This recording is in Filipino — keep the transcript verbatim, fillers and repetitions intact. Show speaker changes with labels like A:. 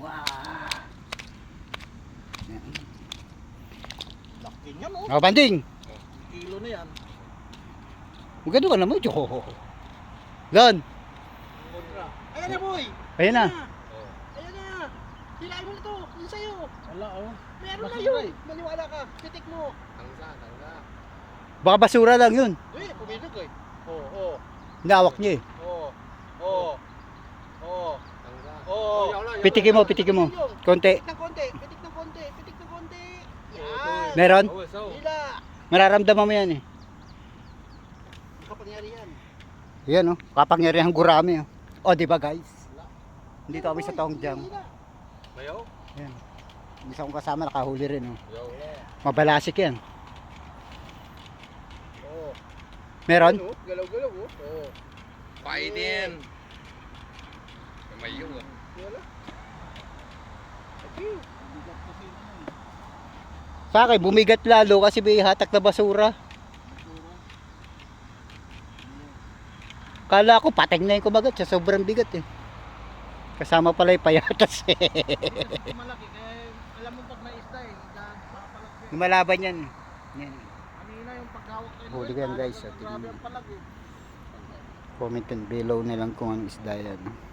A: Wow. Yan.
B: Laki niya no.
A: Oh, banding.
B: Kilo na yan.
A: Maganda ka naman. Jo. Lan.
B: Kontra. Ayan na boy.
A: Ayan na.
B: Ayan na. Hilahin mo na to. Yun sa'yo. Wala oh. Meron na
C: Basura
B: yun.
C: eh.
B: Maniwala ka. Pitik mo.
C: Tangga, tangga.
A: Baka basura lang yun.
B: Eh, puminog eh. Oo, oo.
A: Nawak niya eh.
B: Oo. Oo. Oo.
C: Tangga.
B: Oo.
A: Pitikin mo, pitikin mo. Konti.
B: Pitik ng konti. Pitik ng konti. Pitik ng konti. Yan.
A: Meron?
C: Oh, so.
B: Hila.
A: Mararamdaman mo yan eh.
B: Kapangyarihan.
A: Yan oh. Kapangyarihang gurami oh. O di ba guys? Dito kami sa Tong Jam.
B: Hila.
C: Bayaw?
A: Yan. Isa kong kasama nakahuli rin oh.
C: Bayaw.
A: Mabalasik yan.
B: Oo.
A: Meron?
B: Ano? Galaw-galaw oh. Oo.
C: Kainin. Mayo ah.
B: Wala. Okay.
A: Sa akin, bumigat lalo kasi may hatak na basura. Kala ko pateng na yung kumagat sa sobrang bigat eh. Kasama pala yung payatas eh.
B: Malaki kaya alam mo pag may isda eh. Papalaki.
A: Lumalaban yan. Yan.
B: Kanina yung paghawak kayo.
A: Huli ko yan, guys. At
B: Grabe ang palag eh.
A: comment and below na lang kung ang isda yan.